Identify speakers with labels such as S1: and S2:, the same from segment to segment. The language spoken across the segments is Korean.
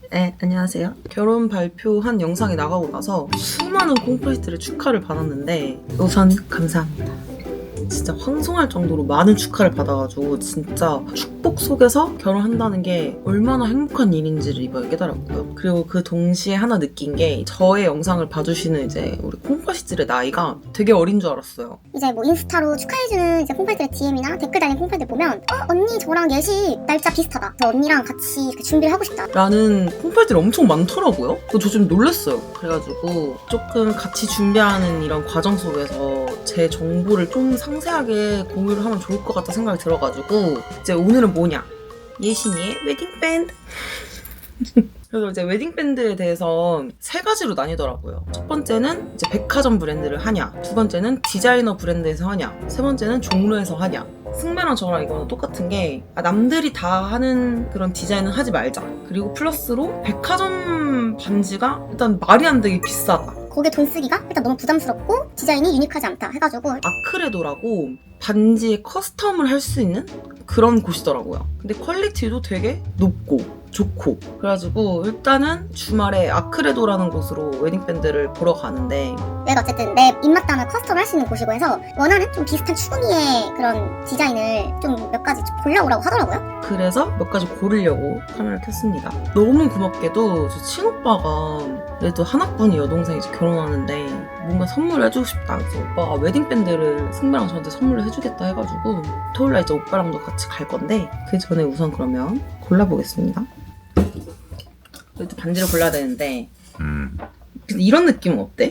S1: 네, 안녕하세요. 결혼 발표한 영상이 나가고 나서 수많은 콩프리트를 축하를 받았는데 우선 감사합니다. 진짜 황송할 정도로 많은 축하를 받아가지고 진짜 축복 속에서 결혼한다는 게 얼마나 행복한 일인지를 이번에 깨달았고요. 그리고 그 동시에 하나 느낀 게 저의 영상을 봐주시는 이제 우리 콩파시들의 나이가 되게 어린 줄 알았어요.
S2: 이제 뭐 인스타로 축하해주는 이제 콩팔들의 DM이나 댓글 달린 콩팔들 보면 언니 저랑 예식 날짜 비슷하다. 저 언니랑 같이 준비를 하고 싶다.
S1: 라는 콩팔들이 엄청 많더라고요. 저 좀 놀랐어요. 그래가지고 조금 같이 준비하는 이런 과정 속에서 제 정보를 좀 상세하게 공유를 하면 좋을 것 같다 생각이 들어가지고 이제 오늘은 뭐냐? 예신이의 웨딩밴드. 그래서 이제 웨딩밴드에 대해서 세 가지로 나뉘더라고요. 첫 번째는 이제 백화점 브랜드를 하냐, 두 번째는 디자이너 브랜드에서 하냐, 세 번째는 종로에서 하냐. 승배랑 저랑 이거는 똑같은 게 남들이 다 하는 그런 디자인은 하지 말자. 그리고 플러스로 백화점 반지가 일단 말이 안 되게 비싸다.
S2: 거기에 돈 쓰기가 일단 너무 부담스럽고 디자인이 유니크하지 않다 해가지고
S1: 아크레도라고 반지에 커스텀을 할 수 있는 그런 곳이더라고요. 근데 퀄리티도 되게 높고 좋고 그래가지고 일단은 주말에 아크레도라는 곳으로 웨딩밴드를 보러 가는데
S2: 내가 어쨌든 내 입맛 따라 커스텀을 할 수 있는 곳이고 해서 원하는 좀 비슷한 추구미의 그런 디자인을 좀 몇 가지 좀 골라오라고 하더라고요.
S1: 그래서 몇 가지 고르려고 카메라를 켰습니다. 너무 고맙게도 저 친오빠가 그래도 한 학번이 여동생이 이제 결혼하는데 뭔가 선물을 해주고 싶다. 그래서 오빠가 웨딩밴드를 승배랑 저한테 선물을 해주겠다 해가지고 토요일날 이제 오빠랑도 같이 갈 건데 그 전에 우선 그러면 골라보겠습니다. 그래도 반지를 골라야 되는데 근데 이런 느낌은 어때?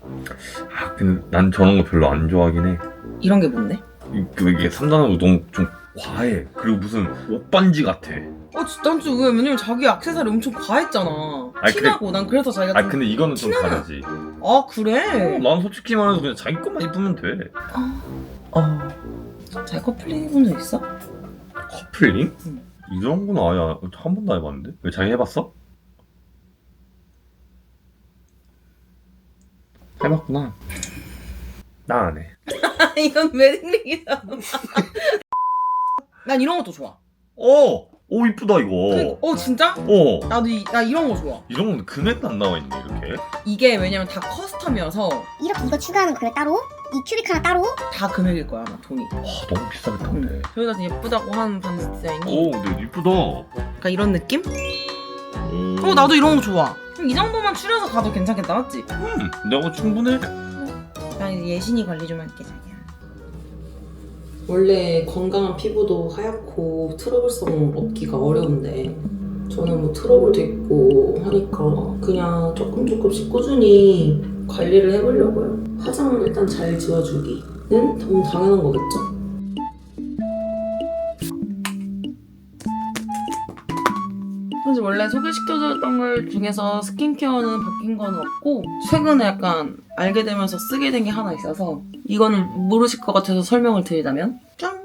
S3: 근데 난 저런 거 별로 안 좋아하긴 해.
S1: 이런 게 뭔데?
S3: 이게 3단하고 너무 좀 과해. 그리고 무슨 옷반지 같아.
S1: 난 좀 왜냐면 자기 액세서리 엄청 과했잖아. 티나고 난 그래서 자기가 좀...
S3: 근데 이거는 좀 다르지.
S1: 아 그래?
S3: 난 솔직히 말해서 그냥 자기 것만 입으면 돼.
S1: 자기 커플링 해본 적 있어?
S3: 커플링?
S1: 응.
S3: 이런 건 아예 한 번도 안 해봤는데? 왜 자기 해봤어? 해봤구나. 나 안 해.
S1: 이건 웨딩링이잖아. 난 이런 것도 좋아.
S3: 오 이쁘다 이거.
S1: 진짜? 나도 나 이런 거 좋아.
S3: 이런 건 금액도 안 나와 있네 이렇게.
S1: 이게 왜냐면 다 커스텀이어서
S2: 이렇게 이거 추가하는 금액 따로 이 큐빅 하나 따로
S1: 다 금액일 거야 아마 돈이.
S3: 너무 비싸겠던데.
S1: 저희가 예쁘다고 하는 반지 디자인이
S3: 근데 이쁘다.
S1: 약간 이런 느낌? 나도 이런 거 좋아. 그럼 이 정도만 추려서 가도 괜찮겠다 맞지?
S3: 내가 충분해.
S1: 나 이제 예신이 관리 좀 할게 자기야. 원래 건강한 피부도 하얗고 트러블성 없기가 어려운데 저는 뭐 트러블도 있고 하니까 그냥 조금씩 꾸준히 관리를 해보려고요. 화장은 일단 잘 지워주기는 너무 당연한 거겠죠? 사실 원래 소개시켜줬던 걸 중에서 스킨케어는 바뀐 건 없고 최근에 약간 알게 되면서 쓰게 된 게 하나 있어서 이거는 모르실 것 같아서 설명을 드리자면 짠!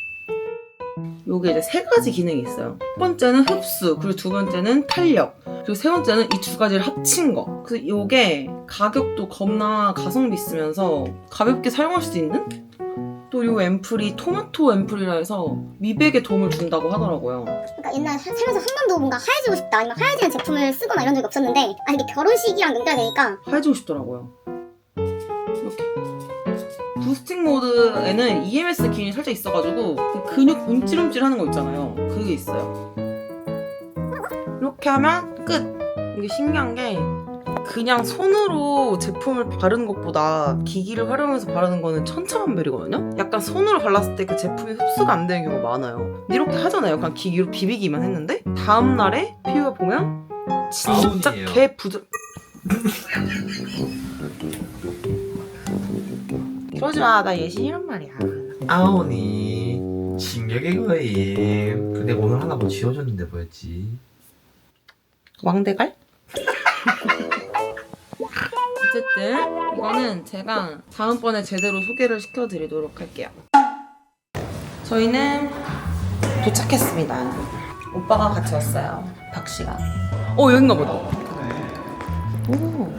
S1: 요게 이제 세 가지 기능이 있어요. 첫 번째는 흡수, 그리고 두 번째는 탄력, 그리고 세 번째는 이 두 가지를 합친 거. 그래서 요게 가격도 겁나 가성비 있으면서 가볍게 사용할 수 있는? 또 요 앰플이 토마토 앰플이라 해서 미백에 도움을 준다고 하더라고요.
S2: 그러니까 옛날에 살면서 한 번도 뭔가 하얘지고 싶다 아니면 하얘지는 제품을 쓰거나 이런 적이 없었는데 이게 결혼식이랑 연결되니까
S1: 하얘지고 싶더라고요. 이렇게 부스팅 모드에는 EMS 기능이 살짝 있어가지고 그 근육 움찔움찔 하는 거 있잖아요. 그게 있어요. 이렇게 하면 끝! 이게 신기한 게 그냥 손으로 제품을 바르는 것보다 기기를 활용해서 바르는 거는 천차만별이거든요? 약간 손으로 발랐을 때 그 제품이 흡수가 안 되는 경우가 많아요. 이렇게 하잖아요. 그냥 기기로 비비기만 했는데 다음날에 피부가 보면 진짜 개 그러지 마. 나 예신이란 말이야.
S4: 아오니 진격의 거임. 근데 오늘 하나 뭐 지워줬는데 뭐였지?
S1: 왕대갈? 어쨌든 이거는 제가 다음번에 제대로 소개를 시켜드리도록 할게요. 저희는 도착했습니다. 오빠가 같이 왔어요. 박씨가. 여긴가 보다. 오.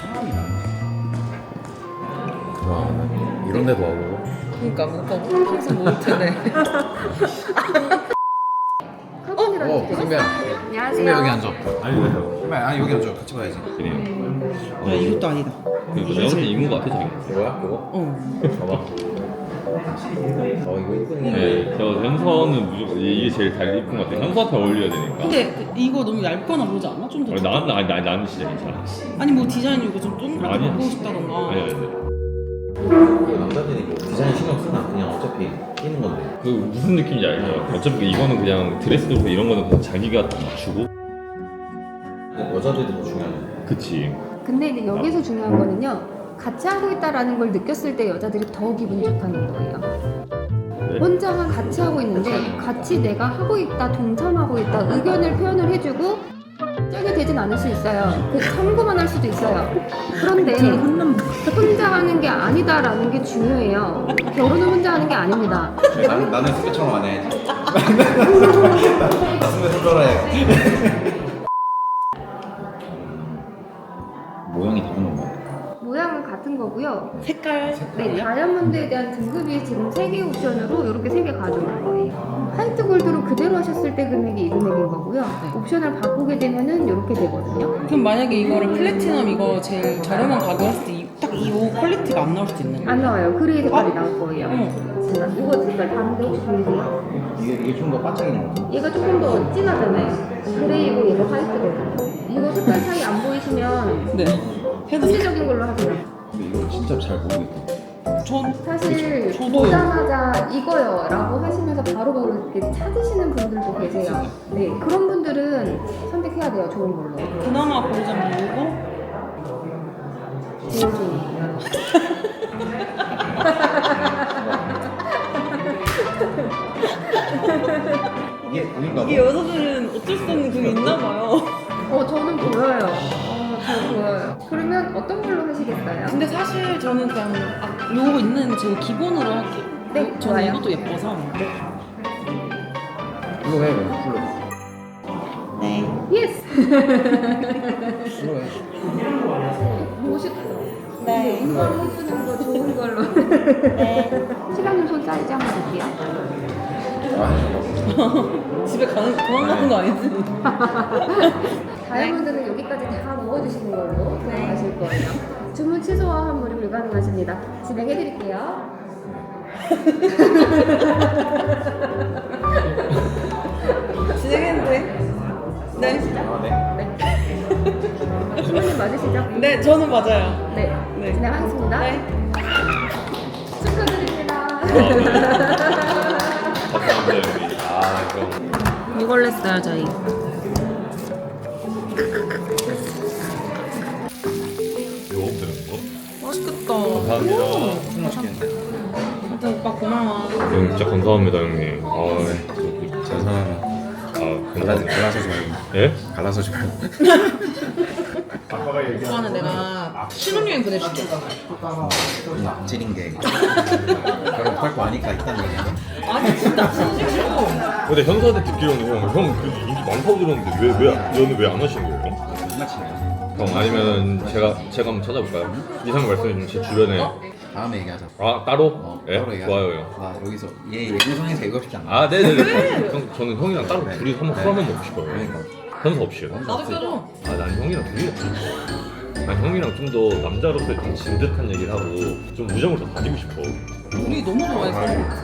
S4: 와 이런 데도 하고.
S1: 그러니까 오빠 평소 모를 텐데.
S4: 선배야.
S5: 선배 여기 앉아.
S3: 아니 왜요?
S5: 선배 아니 여기 앉아. 같이 봐야지.
S3: 그래요.
S1: 야 이것도 아니다.
S3: 내가 볼때 이거 같아 저기.
S5: 이거야? 이거?
S1: 어.
S3: 봐봐.
S5: 이거 이쁘네.
S3: 네, 저 현서는 무조건 이게 제일 잘 이쁜 것 같아. 현서한테 어울려야 되니까.
S1: 근데 이거 너무 얇거나 그러지 않아? 좀 더.
S3: 나는 진짜 괜찮아.
S1: 아니 뭐 디자인 이거 좀 동그랗게
S3: 아니야.
S1: 바꾸고 싶다던가.
S3: 아니.
S5: 남자들이 뭐 디자인 신경 쓰나? 그냥 어차피 끼는 건데.
S3: 그 무슨 느낌인지 알죠? 어차피 이거는 그냥 드레스도 그렇고 이런 거는 그냥 자기가 다 맞추고.
S5: 여자들이 더 중요하네.
S3: 그치.
S6: 근데 이제 여기서 중요한 거는요. 같이 하고 있다라는 걸 느꼈을 때 여자들이 더 기분이 좋다는 거예요. 혼자 같이 하고 있는데 같이 내가 하고 있다, 동참하고 있다, 의견을 표현을 해주고 짝이 되진 않을 수 있어요. 그 참고만 할 수도 있어요. 그런데 혼자 하는 게 아니다라는 게 중요해요. 결혼은 혼자 하는 게 아닙니다.
S5: 나는 선배처럼 안 해야지. 나 선배 손절해. 모양이 다른 건가요?
S6: 모양은 같은 거고요.
S1: 색깔.
S6: 네, 다이아몬드에 대한 등급이 지금 3개 옵션으로 이렇게 3개 가져올 거예요. 화이트 골드로 그대로 하셨을 때 금액이 이 금액인 거고요. 옵션을 바꾸게 되면은 이렇게 되거든요.
S1: 그럼 만약에 이거를 플래티넘 이거 제일 저렴한 가격 했을 때 딱 이 옷 퀄리티가 안 나올 수도 있는 거야?
S6: 안 나와요. 그레이 색깔이 나올 거예요.
S1: 어머.
S6: 이거 색깔 다른데 혹시 보이세요?
S5: 이게 좀 더 반짝이는 거.
S6: 얘가 조금 더 진하잖아요. 그레이고 얘가 화이트거든요. 이거 색깔 차이 안 보이시면
S1: 네. 해도
S6: 현실적인 걸로 하세요.
S5: 근데 이거 진짜 잘 모르겠다.
S1: 전
S6: 사실
S1: 저도요.
S6: 보자마자 이거요 라고 하시면서 바로바로 이렇게 찾으시는 분들도 계세요. 네, 그런 분들은 선택해야 돼요. 좋은 걸로.
S1: 그나마 고르자면 이거?
S6: 제일 좋은 거.
S5: 이게 보인가 봐.
S1: 이게 여자들은 어쩔 수 없는 그게 있나 봐요.
S6: 저는 보여요. 잘 보여요. 그러면 어떤 걸로 하시겠어요?
S1: 근데 사실 저는 그냥 요거 있는 제 기본으로 할게요.
S6: 네,
S1: 저는
S6: 좋아요.
S1: 이것도 예뻐서.
S5: 풀로 해, 그럼 풀로.
S1: 네.
S6: 예스!
S5: 풀로 해.
S6: 멋있다.
S1: 네.
S6: 이거 해주는 거 좋은 걸로.
S1: 네.
S6: 시간님 손 사이즈 한번 볼게요.
S1: 집에 도망가는 거 아니지?
S6: 다이아몬드는 여기까지 다 넣어주시는 걸로 들어가실 거예요. 주문 취소와 환불이 불가능하십니다. 진행해드릴게요.
S1: 진행했는데. 네.
S6: 신부님 맞으시죠?
S1: 네, 저는 맞아요.
S6: 네.
S1: 네.
S6: 진행하겠습니다.
S1: 네.
S6: 축하드립니다.
S3: 감사합니다 여기. 그럼.
S1: 이걸 냈어요, 저희.
S3: 요거 드는 거?
S1: 맛있겠다.
S3: 감사합니다.
S5: 무슨 맛있겠는데?
S1: 일단 오빠 고마워.
S3: 형 진짜 감사합니다 형님.
S5: 저 사람은
S3: 감사합니다.
S5: 갈라서 지 말고.
S3: 예?
S5: 갈라서 지 말고.
S1: 오빠는 내가 신혼여행 보내줄게.
S5: 찌린 게 결혼할 거 아니까 있다는 얘기야.
S1: 아니, 진짜 진심으로.
S3: 근데 현서한테 듣기로는 형 그래도 인기 많다고 들었는데 너는 왜 안 하시는 거예요?
S5: 끝마치네.
S3: 형 아니면 제가 한번 찾아볼까요? 이상 말씀해 주면 제 주변에
S5: 다음에 얘기하자.
S3: 따로? 예?
S5: 따로 얘기하자.
S3: 좋아요 형.
S5: 여기서 얘 예고성에서 얘기하고 싶지 않아.
S3: 네네네. 저는 형이랑 따로
S5: 네.
S3: 둘이 한번 술 한번 먹고 싶어요.
S5: 그러니까.
S3: 현서 없이요.
S1: 나도 껴줘.
S3: 난 형이랑 둘이 난 형이랑 좀 더 남자로서의 좀 진득한 얘기를 하고 좀 우정을 더 가지고 싶어.
S1: 우리 너무 좋아해서.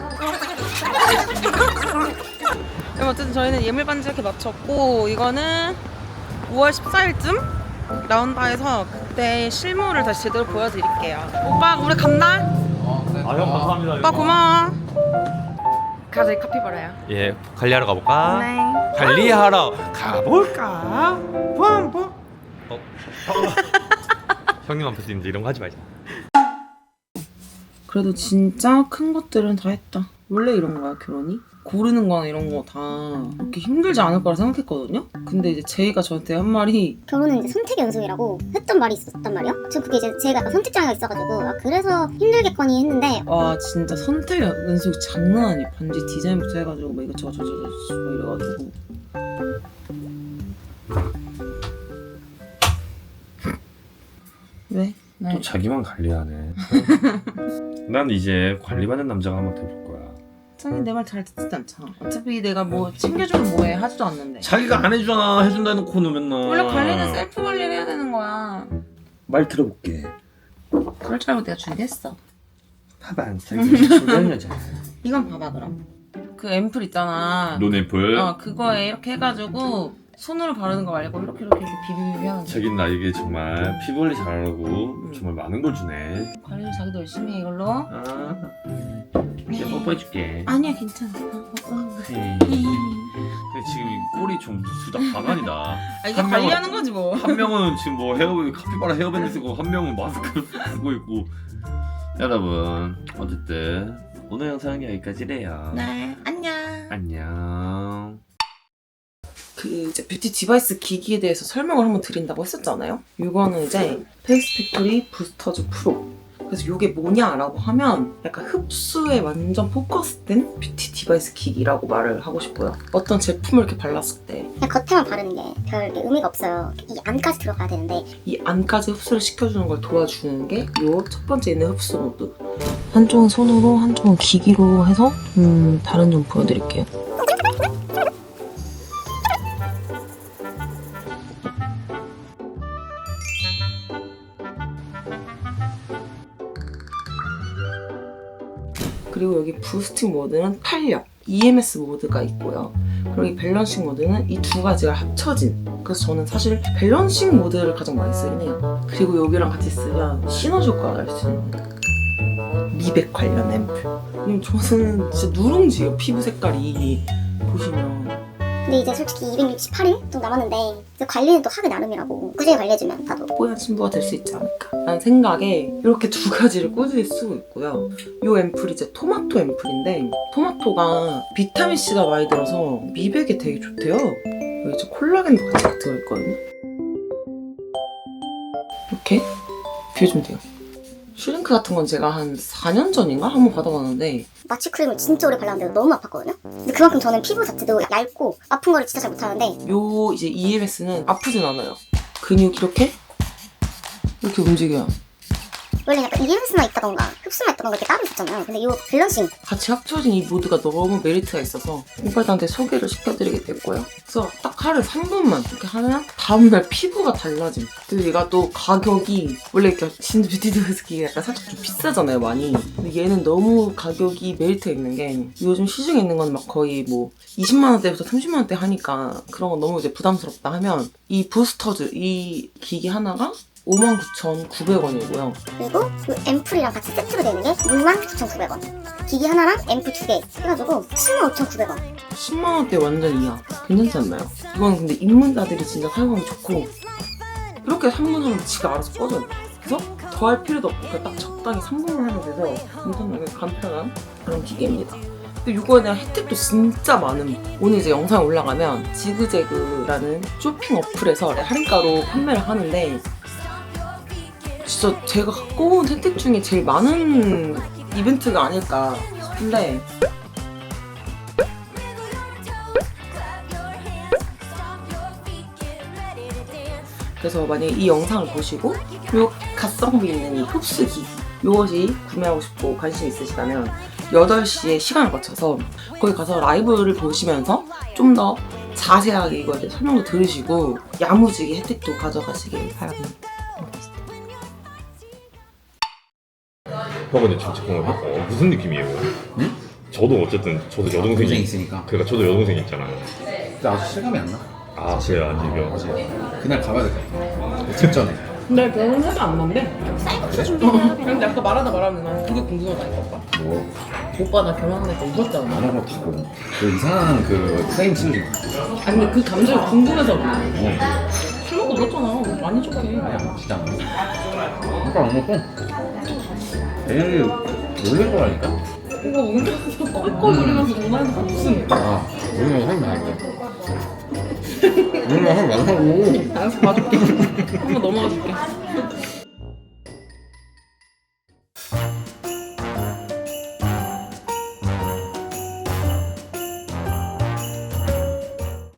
S1: 어쨌든 저희는 예물 반지 이렇게 마쳤고, 이거는 5월 14일쯤 나온다 해서 그때 실물을 다시 제대로 보여드릴게요. 오빠, 우리 간다.
S5: 그래.
S3: 형 감사합니다.
S1: 오빠 고마워. 가자, 이 커피 벌어요.
S3: 예, 관리하러 가볼까?
S1: 네.
S3: 관리하러 가볼까? 뻔뻔. 형님 앞에서 이제 이런 거 하지 말자.
S1: 그래도 진짜 큰 것들은 다 했다. 원래 이런 거야, 결혼이? 고르는 거나 이런 거 다 그렇게 힘들지 않을 거라 생각했거든요? 근데 이제 제이가 저한테 한 말이
S2: 결혼은 이제 선택의 연속이라고 했던 말이 있었단 말이야. 저 그게 이제 제가 약간 선택장애가 있어가지고 그래서 힘들겠거니 했는데
S1: 와 진짜 선택 연속이 장난 아니야. 반지 디자인부터 해가지고 뭐 이것저것 저저저 뭐 이래가지고 왜?
S3: 또 자기만 관리하네. 난 이제 관리받는 남자가 한번 돼볼 거야.
S1: 자기 내 말 잘 듣지 않잖아. 어차피 내가 뭐 챙겨주면 뭐해 하지도 않는데.
S3: 자기가 안 해주잖아. 해준다 해놓고는 맨날.
S1: 원래 관리는 셀프 관리를 해야 되는 거야.
S5: 말 들어볼게.
S1: 그럴 줄 알고 내가 준비했어.
S5: 봐봐 안 살기 중요한 여자.
S1: 이건 봐봐 그럼. 그 앰플 있잖아.
S3: 논앰플.
S1: 그거에 이렇게 해가지고 손으로 바르는 거 말고 이렇게 비비비비 하는 거.
S3: 자기는 나에게 정말 피부 관리 잘하고 정말 많은 걸 주네.
S1: 관리를 자기도 열심히 해 이걸로.
S3: 아, 이제 뽀뽀해줄게.
S1: 아니야 괜찮아.
S3: 헤이. 근데 지금 이 꼴이 좀 둘 다 가관이다.
S1: 아 이게
S3: 한
S1: 관리하는 거지 뭐.
S3: 한 명은 지금 뭐 카피바라 헤어밴드 쓰고 한 명은 마스크 쓰고 있고. 여러분 어쨌든 오늘 영상은 여기까지래요.
S1: 네 안녕.
S3: 안녕.
S1: 그 이제 뷰티 디바이스 기기에 대해서 설명을 한번 드린다고 했었잖아요. 이거는 이제 페이스 팩토리 부스터즈 프로. 그래서 이게 뭐냐라고 하면 약간 흡수에 완전 포커스된 뷰티 디바이스 기기라고 말을 하고 싶어요. 어떤 제품을 이렇게 발랐을 때 이
S2: 그냥 겉에만 바르는 게 별 의미가 없어요. 이 안까지 들어가야 되는데
S1: 안까지 흡수를 시켜주는 걸 도와주는 게 이 첫 번째 있는 흡수 모드. 한쪽은 손으로 한쪽은 기기로 해서 다른 점 보여드릴게요. 그리고 여기 부스팅 모드는 탄력, EMS 모드가 있고요. 그리고 이 밸런싱 모드는 이 두 가지가 합쳐진. 그래서 저는 사실 밸런싱 모드를 가장 많이 쓰긴 해요. 그리고 여기랑 같이 쓰면 시너지 효과가 날 수 있는 미백 관련 앰플. 저는 진짜 누룽지예요, 피부 색깔이. 보시면.
S2: 근데 이제 솔직히 268일 좀 남았는데 이제 관리는 또 하기 나름이라고 꾸준히 관리해주면 나도
S1: 뽀얀 친구가 될 수 있지 않을까 라는 생각에 이렇게 두 가지를 꾸준히 쓰고 있고요. 이 앰플이 이제 토마토 앰플인데 토마토가 비타민C가 많이 들어서 미백에 되게 좋대요. 여기 이제 콜라겐도 같이 들어있거든요. 이렇게 비워주면 돼요. 슈링크 같은 건 제가 한 4년 전인가 한번 받아봤는데
S2: 마취 크림을 진짜 오래 발랐는데 너무 아팠거든요. 근데 그만큼 저는 피부 자체도 얇고 아픈 거를 진짜 잘 못하는데
S1: 요 이제 EMS는 아프진 않아요. 근육이 이렇게 움직여요.
S2: 원래 약간 EMS만 있다던가 흡수만 있다던가 이렇게 따로 있었잖아요. 근데 이 밸런싱
S1: 같이 합쳐진 이 모드가 너무 메리트가 있어서 오빠들한테 소개를 시켜드리게 됐고요. 그래서 딱 하루에 3분만 이렇게 하면 다음날 피부가 달라짐. 그리고 얘가 또 가격이 원래 이렇게 진짜 뷰티 디바이스 기기가 약간 살짝 좀 비싸잖아요, 많이. 근데 얘는 너무 가격이 메리트가 있는 게 요즘 시중에 있는 건 막 거의 뭐 20만 원대부터 30만 원대 하니까 그런 건 너무 이제 부담스럽다 하면 이 부스터즈 이 기기 하나가 59,900원이고요.
S2: 그리고 그 앰플이랑 같이 세트로 되는 게 69,900원. 기기 하나랑 앰플 2개 해가지고 75,900원.
S1: 10만원대 완전 이하. 괜찮지 않나요? 이건 근데 입문자들이 진짜 사용하기 좋고 이렇게 3분 하면 지가 알아서 꺼져요. 그래서 더 할 필요도 없고 그냥 딱 적당히 3분을 하면 돼서 엄청나게 간편한 그런 기계입니다. 근데 이거에 대한 혜택도 진짜 많음. 오늘 이제 영상에 올라가면 지그재그라는 쇼핑 어플에서 할인가로 판매를 하는데 진짜 제가 갖고 온 혜택 중에 제일 많은 이벤트가 아닐까 싶은데 그래서 만약에 이 영상을 보시고 요 가성비 있는 이 흡수기 요것이 구매하고 싶고 관심 있으시다면 8시에 시간을 거쳐서 거기 가서 라이브를 보시면서 좀 더 자세하게 이거에 대해 설명도 들으시고 야무지게 혜택도 가져가시길 바랍니다.
S3: 근데 잠깐만 무슨 느낌이에요?
S5: 응?
S3: 저도 어쨌든 저도
S5: 동생
S3: 여동생이
S5: 있으니까.
S3: 그러니까 저도 여동생 있잖아요.
S5: 근데 아직 실감이 안 나.
S3: 아 그래요 안 지겨.
S5: 어제 그날 가봐야 될 것 같아. 직전에.
S1: 근데 결혼해도 안 난대.
S5: 그래?
S1: 근데 아까 말하는 난 그게 궁금하다니까 오빠.
S5: 뭐
S1: 오빠 나 결혼하니까 울었잖아.
S5: 안 하고 타고 그 이상한 그 프레임 칠리.
S1: 아니 근데 그 감정이 궁금해서 그래.
S5: 어.
S1: 술 먹고 울었잖아. 많이 좋게.
S5: 아니야 진짜 안 먹어. 오빠 안 먹고. 애를 놀린 거라니까.
S1: 오빠 울면서 꼴꼴 울면서 전화해서 무슨.
S5: 아 놀리면 하지 말고. 놀리면 하지 말라고.
S1: 알았어 봐줄게.